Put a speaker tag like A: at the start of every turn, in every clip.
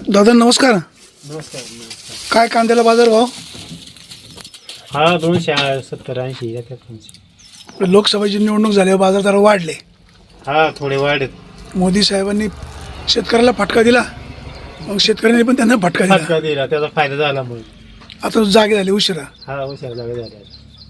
A: दादा नमस्कार.
B: नमस्कार.
A: काय कांद्याला बाजार भाव?
B: हा 270-80 याच्यात तुमची.
A: लोकसभेची निवडणूक झाल्यावर बाजार जरा वाढले.
B: हा थोडे वाढत.
A: मोदी साहेबांनी शेतकऱ्याला फटका दिला, मग शेतकऱ्यांनी पण त्यांना फटका दिला.
B: दिला त्याचा फायदा झाला मग.
A: आता जागे झाले उशिरा.
B: हा हुशार जागा झाला.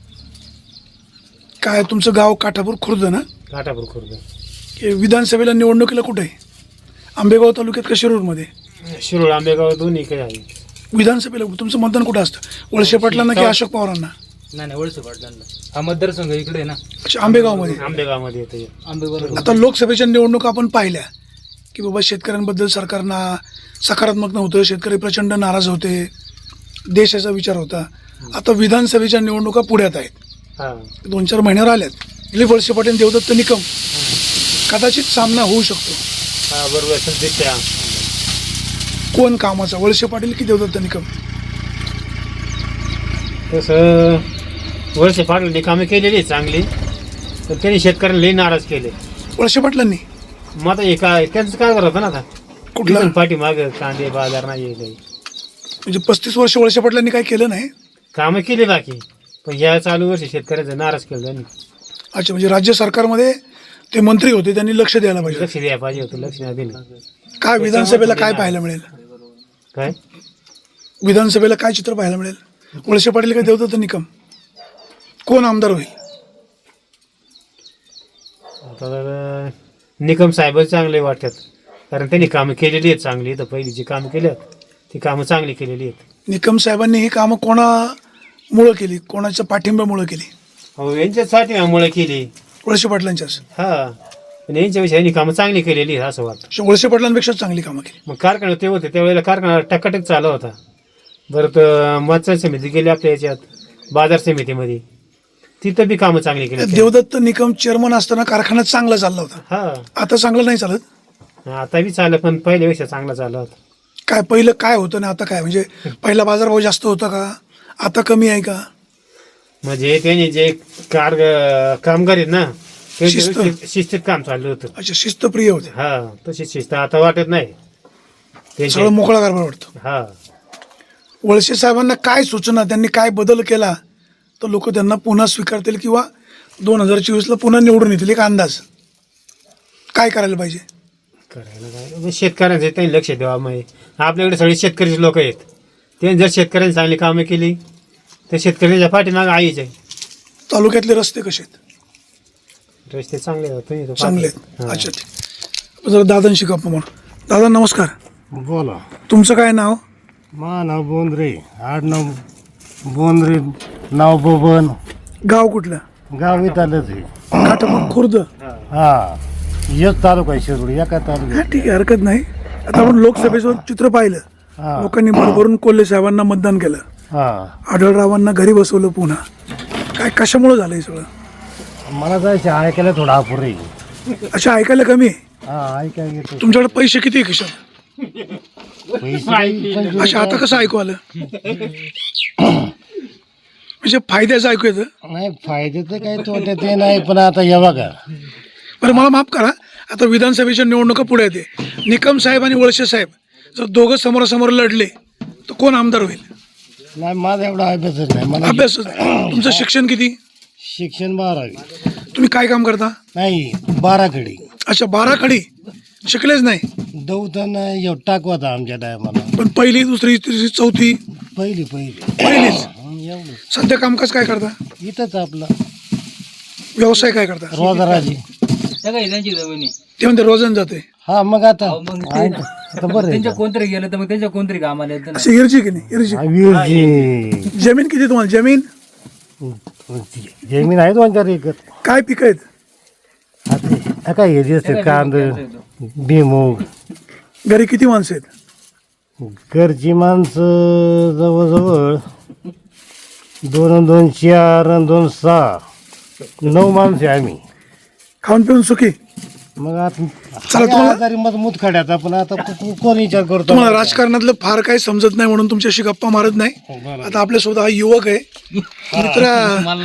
A: काय तुमचं गाव काठापूर खुर्द ना?
B: काठापूर खुर्द.
A: हे विधानसभेला निवडणुकीला कुठे आहे? आंबेगाव तालुक्यात का शिरूरमध्ये?
B: शिरूर आंबेगाव दोन्ही काही आहे.
A: विधानसभेला तुमचं मतदान कुठं असतं? वळसे पाटलांना की अशोक पवारांना?
C: नाही वळसे पाटलांना. हा मतदारसंघ इकडे आहे ना,
A: अच्छा, आंबेगावमध्ये.
B: आंबेगावमध्ये येतं.
C: आंबेगाव.
A: आता लोकसभेच्या निवडणुका आपण पाहिल्या की बाबा शेतकऱ्यांबद्दल सरकारना सकारात्मक नव्हतं, शेतकरी प्रचंड नाराज होते, देशाचा विचार होता. आता विधानसभेच्या निवडणुका पुढ्यात आहेत,
B: हा
A: 2-4 महिन्यावर आल्यात. दिलीप वळसे पाटील देवदत्त निकम कदाचित सामना होऊ शकतो.
B: हा बरोबर सध्या.
A: कोण कामाचा, वळसे पाटील की देवदत्त निकम?
B: तसं वर्ष पाटलांनी कामं केलेली चांगली, पण त्यांनी शेतकऱ्यांना लई नाराज केले.
A: वळसे पाटलांनी
B: मग आता हे काय त्यांचं काय करत होतं ना आता
A: कुठला
B: पाठीमाग कांदे बाजार नाही काही
A: म्हणजे 35 वर्ष वळसे पाटलांनी काय केलं नाही?
B: कामं केली बाकी, पण या चालू वर्षी शेतकऱ्यांचं नाराज केलं त्यांनी.
A: अच्छा, म्हणजे राज्य सरकारमध्ये ते मंत्री होते, त्यांनी लक्ष द्यायला पाहिजे.
B: लक्ष द्यायला पाहिजे होतं, लक्ष नाही दिलं.
A: काय विधानसभेला काय पाहायला मिळेल?
B: काय
A: विधानसभेला काय चित्र पाहायला मिळेल? वळसे पाटील का देवदत्त निकम? कोण आमदार होईल?
B: आता तर निकम साहेब चांगले वाटतात, कारण त्यांनी कामं केलेली आहेत चांगली. तर पहिली जी कामं केली आहेत ती कामं चांगली केलेली आहेत.
A: निकम साहेबांनी ही कामं कोणामुळं केली, कोणाच्या पाठिंब्यामुळं केली?
B: हो यांच्यासाठी मुळे केली.
A: वळसे पाटलांच्याच.
B: हा पण यांच्याविषयी यांनी कामं चांगली केलेली आहेत असं वाटतं.
A: वळसे पाटलांपेक्षा चांगली कामं केली.
B: मग कारखाना ते होते त्यावेळेला कारखाना टकाटक चालू होता. बरं तर मतदार समिती गेली आपल्या याच्यात बाजार समितीमध्ये, तिथं बी कामं चांगली केली.
A: देवदत्त निकम चेअरमन असताना कारखाना चांगला चालला होता.
B: हा
A: आता चांगलं नाही चालत?
B: आता बी चाललं, पण पहिल्यापेक्षा चांगला चालला होता.
A: काय पहिलं काय होतं ना आता काय, म्हणजे पहिला बाजारभाव जास्त होता का, आता कमी आहे का?
B: म्हणजे त्यांनी जे कामगार आहेत ना ते
A: शिस्त.
B: शिस्तीत काम चाललं होतं.
A: अच्छा, शिस्तप्रिय होते.
B: हा तशी शिस्त आता वाटत नाही त्यांची.
A: सगळं मोकळा कारभार वाटतो.
B: हा
A: वळसे साहेबांना काय सूचना, त्यांनी काय बदल केला तर लोक त्यांना पुन्हा स्वीकारतील किंवा 2024ला पुन्हा निवडून येतील? एक अंदाज काय करायला पाहिजे?
B: करायला काय म्हणजे शेतकऱ्यांचे त्यांनी लक्ष द्यावं. मग आपल्याकडे सगळे शेतकरीचे लोक आहेत, त्यांनी जर शेतकऱ्यांनी चांगली कामं केली तर शेतकऱ्यांच्या पाठीमागे आईच आहे.
A: तालुक्यातले रस्ते कसे आहेत?
B: रस्ते चांगले आहेत. तुम्ही तो
A: चांगले
B: पाहता.
A: आहेत.
B: हा.
A: अच्छा, ठीक. जरा दादांशी गप्पा मार. दादा नमस्कार.
D: बोला.
A: तुमचं काय नाव?
D: मा नाव बोंद्रे, आडनाव बोंद्रे, नाव बबन,
A: गाव कुठलं?
D: गाव इथलंच आहे.
A: काठापूर खुर्द.
D: हा एक तालुका आहे शिरूर, एका
A: हा
D: तालुक्यात.
A: ठीक आहे, हरकत नाही. आता आपण लोकसभेचं चित्र पाहिलं,
D: हा
A: लोकांनी भरभरून कोल्हे साहेबांना मतदान केलं,
D: हा
A: आढळरावांना घरी बसवलं पुन्हा. काय कशामुळे झालं हे सगळं?
D: मला जायचं ऐकायला थोडा अपुर आहे.
A: अच्छा, ऐकायला कमी आहे.
D: हा ऐकायला येतो.
A: तुमच्याकडे पैसे किती आहे खिशात?
D: पैसे
A: अच्छा, आता कसं ऐकू आलं? म्हणजे फायद्याचं ऐकू येतं.
D: नाही, फायदे तर काही तोटे ते नाही, पण आता हे बघा.
A: बरं मला माफ करा, आता विधानसभेच्या निवडणुका पुढे येते. निकम साहेब आणि वळसे साहेब जर दोघं समोरासमोर लढले तर कोण आमदार होईल?
D: नाही, माझा एवढा अभ्यासच नाही. मला
A: अभ्यास. तुमचं शिक्षण किती?
D: शिक्षण 12वी.
A: तुम्ही काय काम करता?
D: नाही 12कडे.
A: अच्छा, 12 खडी शिकलेच नाही.
D: दौताना टाकवाता आमच्या टायमाला.
A: पण पहिली, दुसरी, तिसरी, चौथी,
D: पहिलीच
A: पहिलीच.
D: एवढं.
A: सध्या कामकाज काय करता?
D: इथंच आपलं
A: व्यवसाय काय करता?
D: रोजगाराची.
C: त्यांची जमिनी.
A: ते म्हणते रोजन जाते.
D: हा मग आता
C: मग ते
D: आता बरं आहे
C: त्यांच्या
D: का?
C: कोणतरी गेलं तर मग त्यांच्या कोणतरी कामाला येतं ना.
A: असं इर्जी की नाही? इर्जी.
D: हा, विहीरची.
A: जमीन किती तुम्हाला? जमीन
D: जमीन आहे 2-4 एकर.
A: काय पिकं आहेत?
D: आता काय हे जे असते कांद, भुईमूग.
A: घरी किती माणसं आहेत?
D: घरची माणसं जवळजवळ 2 आणि 2 4 आणि 2 6 9 माणसं आहे आम्ही.
A: खाऊन पिऊन सुखी?
D: मग आता
A: चला, तुम्हाला-
D: आजारी मग मुतखड्यात आपण आता कोण विचार करतो?
A: तुम्हाला राजकारणातलं फार काही समजत नाही म्हणून तुमच्याशी गप्पा मारत नाही.
D: बरं.
A: आता आपल्यासोबत हा युवक आहे.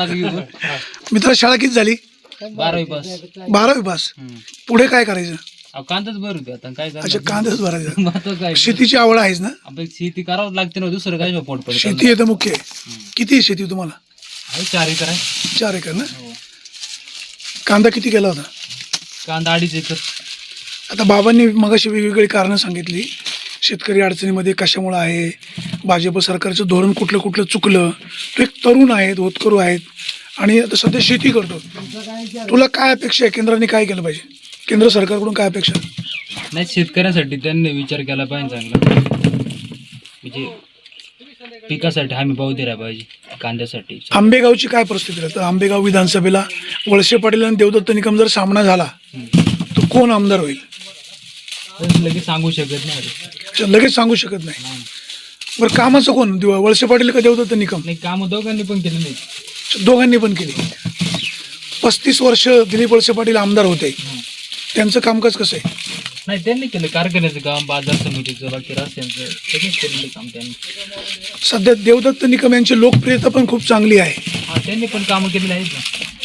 A: मित्र शाळा किती झाली?
C: 12वी पास.
A: 12वी पास. पुढे काय करायचं?
C: कांदाच भर होते आता काय
A: अच्छा,
C: करणार?
A: कांदाच भरायचा.
C: मग आता काय
A: शेतीची आवड आहेच ना?
C: आपण शेती करावंच लागते ना, दुसरं काय पोट पडत.
A: शेती आहे तर मुख्य आहे. किती आहे शेती तुम्हाला?
C: 4 एकर आहे.
A: 4 एकर ना?
C: हो.
A: कांदा किती केला होता?
C: कांदा 2.5 एकर.
A: आता बाबांनी मगाशी वेगवेगळी कारणं सांगितली. शेतकरी अडचणीमध्ये कशामुळं आहे, भाजप सरकारचं धोरण कुठलं कुठलं चुकलं. तू एक तरुण आहेत, होतकरू आहेत आणि आता सध्या शेती करतो. तुला काय अपेक्षा आहे? केंद्राने काय केलं पाहिजे? केंद्र सरकारकडून काय अपेक्षा?
C: नाही, शेतकऱ्यासाठी त्यांनी विचार केला पाहिजे चांगला, म्हणजे पिकासाठी हमी भाव दिला पाहिजे कांद्यासाठी.
A: आंबेगावची काय परिस्थिती आहे? तर आंबेगाव विधानसभेला वळसे पाटील आणि देवदत्त निकम जर सामना झाला तर कोण आमदार होईल?
C: लगेच सांगू शकत नाही.
A: अच्छा, लगेच सांगू शकत नाही. बरं, कामाचं कोण? वळसे पाटील का देवदत्त निकम?
C: नाही, कामं दोघांनी पण केली नाही.
A: दोघांनी पण केली. 35 वर्ष दिलीप वळसे पाटील आमदार होते. त्यांचं कामकाज कसं आहे?
C: नाही, त्यांनी केलं कारखान्याचं काम, बाजार समितीचं, बाकी रस्त्यांचं सगळंच केलेलं काम त्यांनी.
A: सध्या देवदत्त निकम यांची लोकप्रियता पण खूप चांगली आहे.
C: हा, त्यांनी पण कामं केलेली आहेत ना.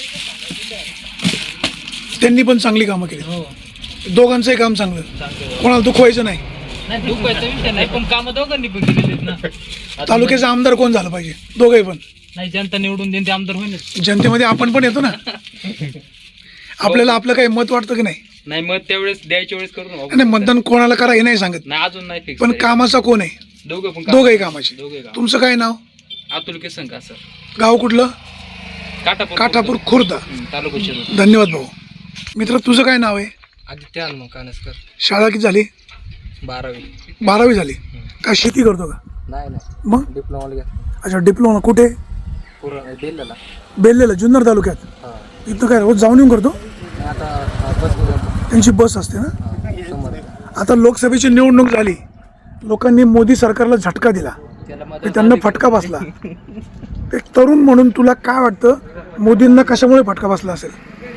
A: त्यांनी पण चांगली कामं केली.
C: हो,
A: दोघांचंही काम चांगलं.
C: चांगलं.
A: कोणाला दुखवायचं नाही.
C: नाही, दुखायचा विषय नाही, पण कामं दोघांनी पण केलेली आहेत ना. आता
A: तालुक्याचा आमदार कोण झालं पाहिजे? दोघंही पण.
C: नाही, जनता निवडून देईन ते आमदार होईनच.
A: जनतेमध्ये आपण पण येतो ना. आपल्याला आपलं काही मत वाटतं की नाही?
C: नाही, मग त्यावेळेस द्यायच्या वेळेस करू ना.
A: नाही, मतदान कोणाला करा हे नाही सांगत,
C: नाही, अजून नाही फिक्स.
A: पण कामाचा कोण आहे?
C: दोघं पण
A: दोघंही कामाचे.
C: दोघे काम.
A: तुमचं काय नाव?
C: अतुल केसन का सर,
A: गाव कुठलं?
C: काठापूर
A: खुर्द.
C: तालुका शिरूर.
A: धन्यवाद भाऊ. मित्र, तुझं काय नाव आहे?
C: आदित्य हनुमान कानसकर.
A: शाळा किती झाली?
C: 12वी.
A: 12वी झाली. काय शेती करतो का?
C: नाही,
A: मग
C: डिप्लोमा घ्या.
A: अच्छा, डिप्लोमा कुठे?
C: पूर्ण दिलेला.
A: बेल्लेला, जुन्नर तालुक्यात.
C: हा,
A: इथं काय रोज जाऊन येऊन करतो?
C: आता बस
A: त्यांची बस असते ना.
C: समोर
A: आता लोकसभेची निवडणूक झाली, लोकांनी मोदी सरकारला झटका दिला, ते त्यांना फटका बसला. एक तरुण म्हणून तुला काय वाटतं, मोदींना कशामुळे फटका बसला असेल?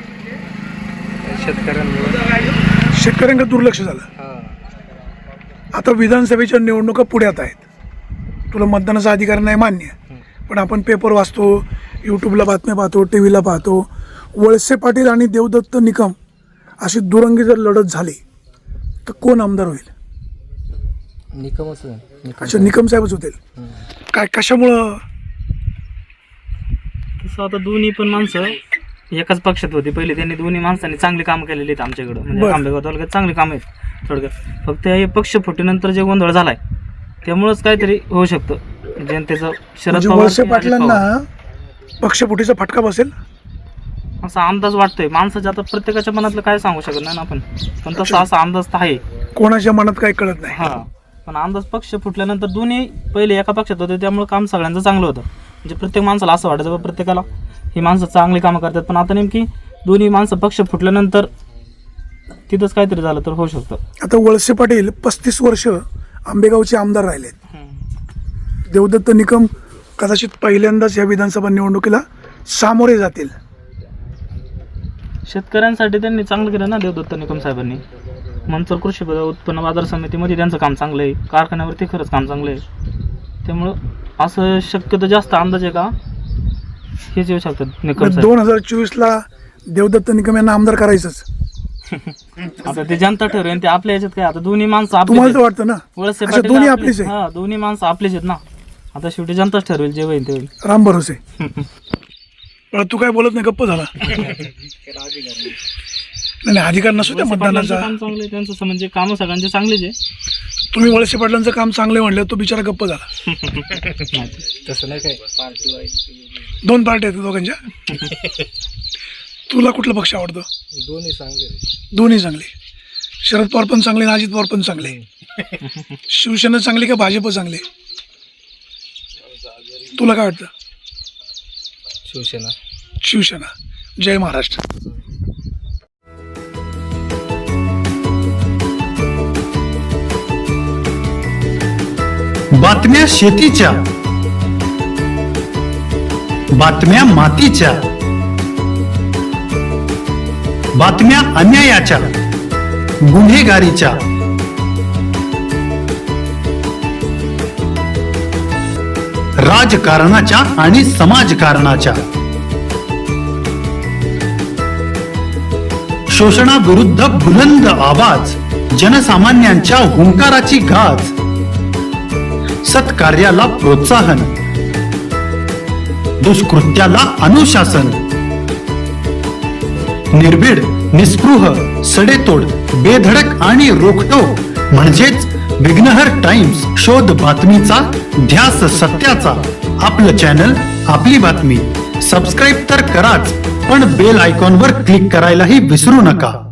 A: शेतकऱ्यांकडे दुर्लक्ष झालं. आता विधानसभेच्या निवडणुका पुढ्यात आहेत. तुला मतदानाचा अधिकार नाही मान्य, पण आपण पेपर वाचतो, यूट्यूबला बातम्या पाहतो, टी व्हीला पाहतो. वळसे पाटील आणि देवदत्त निकम अशी दुरंगी जर लढत झाली तर कोण आमदार होईल?
C: निकमच.
A: अच्छा, निकम साहेबच होतील. काय, कशामुळं?
E: तसं आता दोन्ही पण माणसं एकाच पक्षात होती पहिले. त्यांनी दोन्ही माणसांनी चांगली कामं केलेली आहेत आमच्याकडं, म्हणजे
A: बरं.
E: आंबेगाव तालुक्यात चांगली कामं आहेत थोडक्यात. फक्त हे पक्ष फुटीनंतर जे गोंधळ झालाय त्यामुळंच काहीतरी होऊ शकतं जनतेचं. शरद
A: म्हणजे
E: पवार
A: वळसे
E: आणि अजित पवार.
A: पाटलांना पक्षफुटीचा फटका बसेल
E: असा अंदाज वाटतोय. माणसाच्या आता प्रत्येकाच्या मनातलं काय सांगू शकत नाही ना आपण, पण तसा असा अंदाज तर आहे.
A: कोणाच्या मनात काही कळत नाही.
E: हा, पण अंदाज पक्ष फुटल्यानंतर दोन्ही पहिले एका पक्षात होते त्यामुळे काम सगळ्यांचं चांगलं होतं. म्हणजे प्रत्येक माणसाला असं वाटायचं बा प्रत्येकाला ही माणसं चांगली कामं करतात, पण आता नेमकी दोन्ही माणसं पक्ष फुटल्यानंतर तिथंच काहीतरी झालं तर होऊ शकतं.
A: आता वळसे पाटील 35 वर्ष आंबेगावचे आमदार राहिलेत. देवदत्त निकम कदाचित पहिल्यांदाच या विधानसभा निवडणुकीला सामोरे जातील.
E: शेतकऱ्यांसाठी त्यांनी चांगलं केलं ना देवदत्त निकम साहेबांनी. मंचर कृषी उत्पन्न बाजार समितीमध्ये त्यांचं काम चांगलं आहे, कारखान्यावरती खरंच काम चांगलं आहे. त्यामुळं असं शक्यतो जास्त अंदाज आहे का हेच येऊ शकतात निकम साहेब.
A: 2024ला देवदत्त निकम यांना आमदार करायचंच.
E: आता ते जनता ठरवेल ते आपल्या याच्यात काय. आता दोन्ही माणसं आपलीच
A: तुम्हाला तर
E: आहेत.
A: वाटतं ना?
E: वळसे
A: अच्छा,
E: पाटील
A: दोन्ही
E: आपले-
A: आपलीच आहे.
E: हा, दोन्ही माणसं आपलीच आहेत ना. आता शेवटी जनताच ठरवेल जे होईल ते होईल.
A: राम भरोसे. पण तू काय बोलत नाही, गप्प झाला. नाही, अधिकार नसू त्या
E: वळसे पाटलांचं
A: मतदानाचा.
E: काम चांगलं आहे त्यांचं, म्हणजे कामं सगळ्यांचे चांगलेच आहे.
A: तुम्ही वळसे पाटलांचं काम चांगलं म्हणलं, तो बिचारा गप्प झाला.
C: तसं नाही काय, पार्टी वाईज
A: 2 पार्टी आहेत दोघांच्या. तुला कुठला पक्ष आवडतो?
C: दोन्ही चांगले.
A: दोन्ही चांगले. शरद पवार पण चांगले आणि अजित पवार पण चांगले. शिवसेना चांगली का भाजप चांगले? तुला काय वाटतं?
C: शिवसेना.
A: शिवसेना. जय महाराष्ट्र.
F: बातम्या शेतीच्या, बातम्या मातीच्या, बातम्या अन्यायाच्या, गुन्हेगारीच्या, राजकारणाच्या आणि समाजकारणाच्या, शोषणाविरुद्ध बुलंद आवाज, जनसामान्यांच्या हुंकाराची गाज, सत्कार्याला प्रोत्साहन, दुष्कृत्याला अनुशासन, निर्भीड, निस्पृह, सडेतोड, बेधडक आणि रोखटोक म्हणजेच विघ्नहर टाइम्स. शोध बातमीचा, ध्यास सत्याचा. आपलं चॅनल, आपली बातमी. सबस्क्राईब तर कराच, पण बेल आयकॉनवर क्लिक करायलाही विसरू नका.